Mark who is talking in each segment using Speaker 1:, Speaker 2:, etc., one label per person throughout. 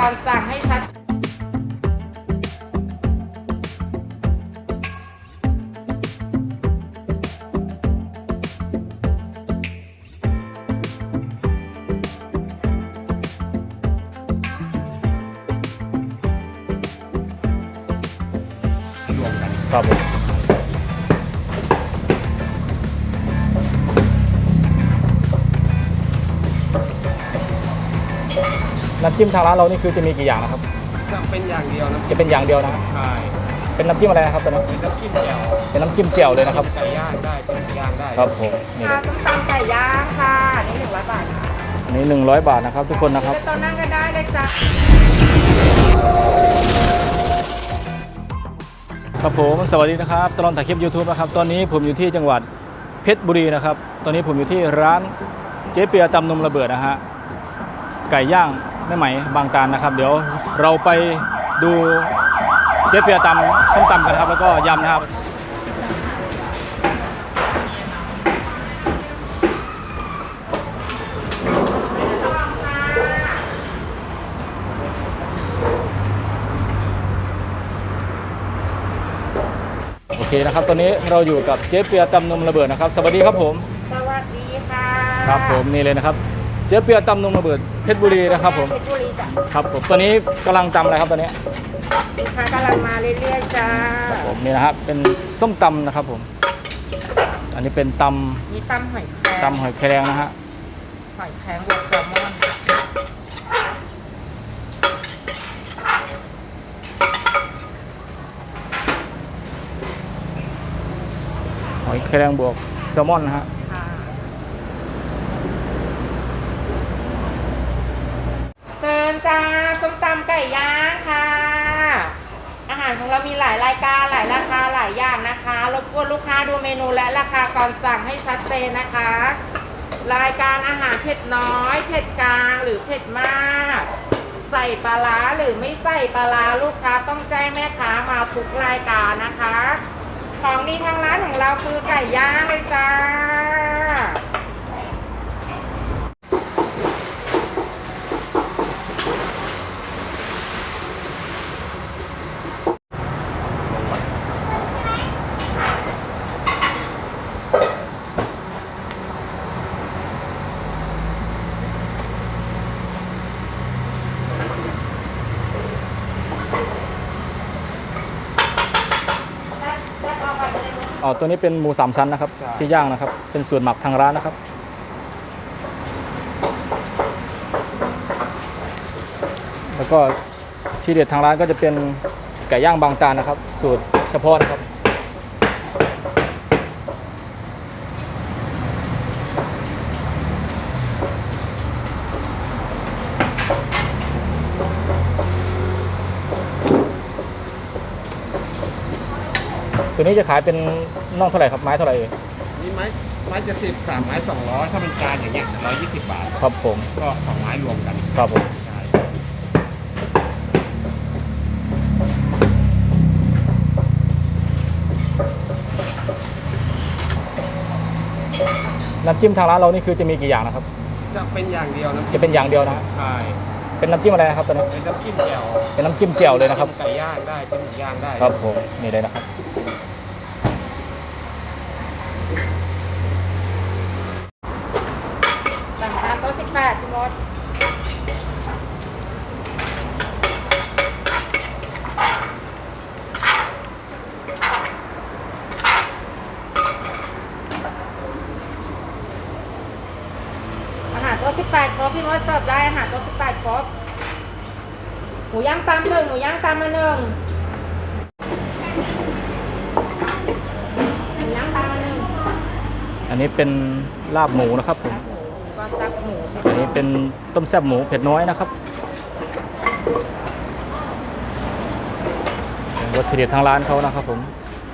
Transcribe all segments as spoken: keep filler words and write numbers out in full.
Speaker 1: ก่อนสั่งให้ชัด
Speaker 2: รวมกัน
Speaker 3: ครับผมน้ำจิ้มทางร้านเรานี่คือจะมีกี่อย่างนะครับ
Speaker 2: จะเป็นอย่างเดียวนะ
Speaker 3: จะเป็นอย่างเดียวนะ
Speaker 2: ใช่
Speaker 3: เป็นน้ำจิ้มอะไรนะครับตอนนี้
Speaker 2: เป็นน้ำจิ้มแจ่ว
Speaker 3: เป็นน้ำจิ้มเจียวเลยนะครับ
Speaker 2: ไก่ย่างได้เป็นหมูย่างได้
Speaker 3: ครับผมนี่
Speaker 1: ค่ะส้มตำไก่ย่างค่ะนี่หนึ่งร้อยบาทค่ะ
Speaker 3: อันนี้หนึ่งร้อยบาทนะครับทุกคนนะครับ
Speaker 1: จะต้นนั่งก็ได้เลยจ้ะ
Speaker 3: ครับผมสวัสดีนะครับตลอดถ่ายคลิป YouTube นะครับตอนนี้ผมอยู่ที่จังหวัดเพชรบุรีนะครับตอนนี้ผมอยู่ที่ร้านเจ๊เปียตำนมระเบิดนะฮะไก่ย่างแม่ไหมบางตาลนะครับเดี๋ยวเราไปดูเจ๊เปียตำส้มตำกันครับแล้วก็ยำนะครับโอเคนะครับตอนนี้เราอยู่กับเจ๊เปียตำนมระเบิดนะครับสวัสดีครับผม
Speaker 1: สวัสดีค่ะ
Speaker 3: ครับผมนี่เลยนะครับเจ๊เปียตำนมระเบิดเพชรบุรีนะครับผม
Speaker 1: เพชรบุรีจ้ะ
Speaker 3: ครับผมตอนนี้กำลังตำอะไรครับตอนนี้
Speaker 1: ลูกค้ากำลังมาเรื่อยๆจ้า
Speaker 3: ครับผมนี่นะครับเป็นส้มตำนะครับผมอันนี้เป็นต
Speaker 1: มีตำหอยแครง
Speaker 3: ำตำหอยแครงนะฮะ
Speaker 1: หอยแครงบวกแซลมอน
Speaker 3: หอยแครงบวกแซลมอนนะฮะ
Speaker 1: ค่ะเชิญจ้าส้มตำไก่ย่างค่ะ อาหารของเรามีหลายรายการหลายราคาหลายอย่างนะคะรบกวนลูกค้าดูเมนูและราคาก่อนสั่งให้ชัดเจนนะคะ รายการอาหารเผ็ดน้อยเผ็ดกลางหรือเผ็ดมาก ใส่ปลาร้าหรือไม่ใส่ปลาร้าลูกค้าต้องแจ้งแม่ค้ามาทุกรายการนะคะ ของดีทางร้านของเราคือไก่ย่างเลยจ้า
Speaker 3: อ๋อตัวนี้เป็นหมูสามชั้นนะครับที่ย่างนะครับเป็นส่วนหมักทางร้านนะครับแล้วก็ที่เด็ดทางร้านก็จะเป็นไก่ย่างบางตาลนะครับสูตรเฉพาะนะครับตัวนี้จะขายเป็นน่องเท่าไหร่ครับไม้เท่าไหร่เอง
Speaker 2: นี่ไม้ไม้จะสิบสามไม้สองร้อยถ้าเป็นจานอย่างเงี้ยร้อยยี่สิบบาท
Speaker 3: ครับผม
Speaker 2: ก็สองไม้รวมกัน
Speaker 3: ครับผม
Speaker 2: ใช่
Speaker 3: น้ำจิ้มทางร้านเรานี่คือจะมีกี่อย่างนะครับ
Speaker 2: จะเป็นอย่างเดียวนะ
Speaker 3: จะเป็นอย่างเดียวนะฮะ
Speaker 2: ใช่
Speaker 3: เป็นน้ำจิ้มอะไรนะครับตอนนี้
Speaker 2: เป็นน้ำจิ้มแจ่ว
Speaker 3: เป็นน้ำจิ้มเจียวเลยนะครับ
Speaker 2: ไก่ย่างได้เป็นหมูย่างได้
Speaker 3: ครับผมนี่เลยนะครับ
Speaker 1: สั่งทานโต๊ะสิบแปดคุณมดอาหารโต๊ะสิบแปดครบพี่มดเสิร์ฟได้อาหารโต๊ะสิบแปดครบหมูย่างตำหนึ่งหมูย่างตำมาหนึ่งหมูย่างตำมาหนึ่ง
Speaker 3: อันนี้เป็นลาบหมูนะครับผม
Speaker 1: ก็ตักหมู
Speaker 3: อันนี้เป็นต้มแซ่บหมูเผ็ดน้อยนะครับวัตถุดิบทางร้านเขานะครับผม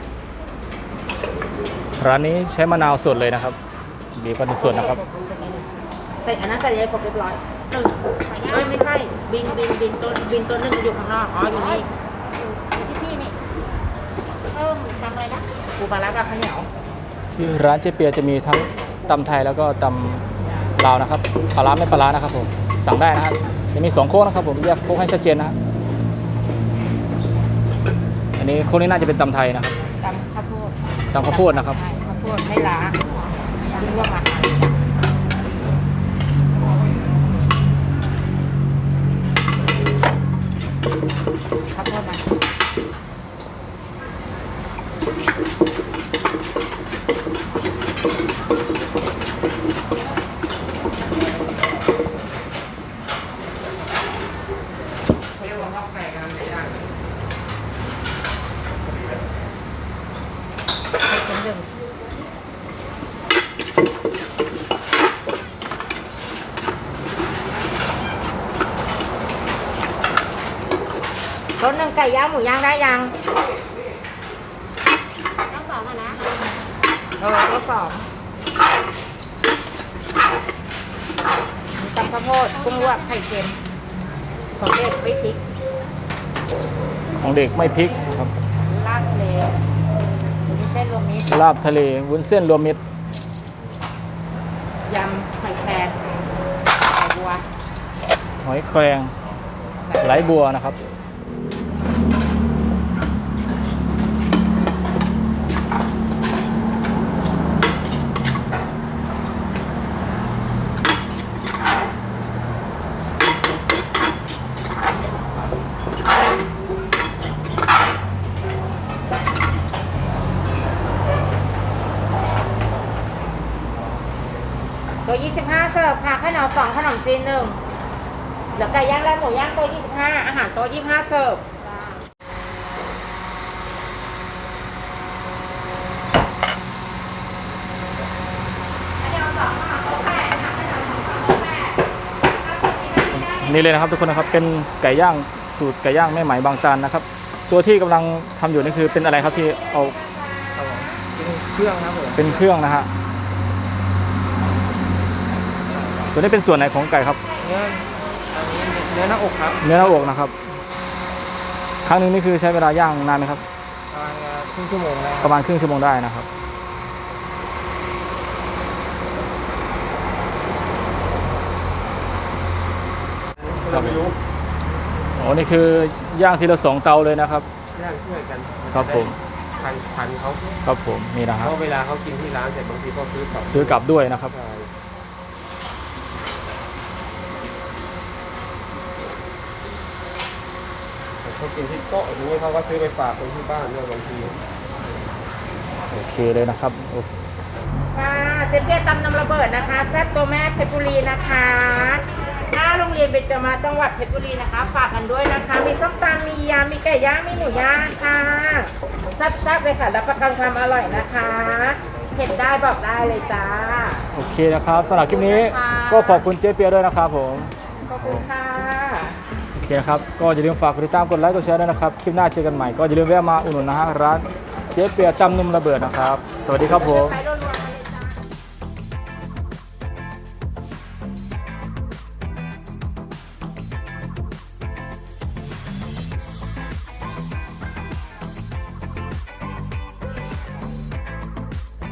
Speaker 3: ร้านนี้ใช้มะนาวสดเลยนะครับบีบเป็นสดนะครับ
Speaker 1: ใส่อันนั้นใส่เลยครบเรียบร้อยหนึ่งเอ้ยไม่ใช่บินบินบินตัวบินตัวหนึ่งอยู่ข้างนอกอ๋ออยู่นี่อยู่ที่พี่นี่เพิ่มทำอะไรนะปูปลาร้ากับข้าวเหนียว
Speaker 3: ที่ร้านเจ๊เปียจะมีทั้งตำไทยแล้วก็ตำลาวนะครับปลาร้าไม่ปลาร้านะครับผมสั่งได้นะครับจะมีสองโค้งนะครับผมแยกโค้งให้ชัดเจนนะฮะอันนี้โค้งนี้น่าจะเป็นตำไทยนะครับ
Speaker 1: ตำข้าวโพด
Speaker 3: ตำข้าวโพดนะครับ
Speaker 1: ใช่ข้าวโพดไม่ล้าไม่ร่วงอาหารข้าวโพดนะเป็นหนึ่งรสหนึ่งไก่ย่างหมูย่างได้ยัง
Speaker 4: ต้องสองอะนะ
Speaker 1: เออรสสองมีตำข้าวโพดกุ้งลวกไข่เค็มของเด็กไม่พริก
Speaker 3: ของเด็กไม่พริกครับ
Speaker 1: ลาบทะเลมีเส้นรวมมิตร
Speaker 3: ลาบทะเลวุ้นเส้นรวมมิตร
Speaker 1: ยำไข่แครงไข่บัว
Speaker 3: หอยแครงไหลบัวนะครับ
Speaker 1: ตัวยี่สิบห้าเสิร์ฟค่ะข้าวเหนียวสองขนมจีนหนึ่งเหลือไก่ย่างและหมูย่างตัวยี่สิบห้าอาหารตัวยี่สิบห้าเสิร์ฟ
Speaker 3: นี่เลยนะครับทุกคนนะครับเป็นไก่ย่างสูตรไก่ย่างแม่ไหมบางจานนะครับ ตัวที่กำลังทำอยู่นี่คือเป็นอะไรครับที่เอา
Speaker 2: ครับผมเป็นเครื่องครับผม
Speaker 3: เป็นเครื่องนะฮะตัวนี้เป็นส่วนไหนของไก่ครับ
Speaker 2: เนื้ออันนี้เนื้อหน้าอกครับ
Speaker 3: เนื้อหน้าอกนะครับ ครั้งหนึงนี่คือใช้เวลาย่างนานไหมครับ
Speaker 2: ประมาณครึ่งชั่วโมงแล้ว
Speaker 3: ประมาณครึ่งชั่วโมงได้นะครับ
Speaker 2: เราไม่รู้
Speaker 3: โอ้นี่คือย่างทีละสองเตาเลยนะครับ
Speaker 2: ย่างช่วยกัน
Speaker 3: ครับผม
Speaker 2: พันพันเขา
Speaker 3: ครับผมนี่นะค
Speaker 2: เพ
Speaker 3: รับ
Speaker 2: ราะเวลาเขากินที่ร้านเสร็จบางทีก็ซื้อกลับ
Speaker 3: ซื้อกลับด้วยนะครับ
Speaker 2: ใช่แต่เขากินที่โต๊ะอย่างนี้เขาก็ซื้อไปฝากคนที่บ้านด้วยบางที
Speaker 3: โอเคเลยนะครับโอ
Speaker 1: ค่ะเจเปี้ยตำน้ำระเบิดนะคะแซ่บตัวแม่เพชรบุรีนะคะถ้าโรงเรียนเบญจมาศจังหวัดเพชรบุรีนะคะฝากกันด้วยนะคะมีส้มตำมียำมีไก่ย่างมีหมูย่างค่ะแซ่บๆเลยค่ะรับประกันความอร่อยนะคะเผ็ดได้บอกได้เลยจ้า
Speaker 3: โอเคนะครับสำหรับคลิปนี้
Speaker 1: ค่ะ
Speaker 3: ก็ขอบคุณเจ๊เปียด้วยนะครับผม
Speaker 1: ขอบคุณค่ะ
Speaker 3: โอเคนะครับก็อย่าลืมฝากกดติดตามกดไลค์กดแชร์ด้วยนะครับคลิปหน้าเจอกันใหม่ก็อย่าลืมแวะมาอุดหนุนนะฮะร้านเจ๊เปียตำนุ่มระเบิดนะครับสวัสดีครับผม
Speaker 1: ไป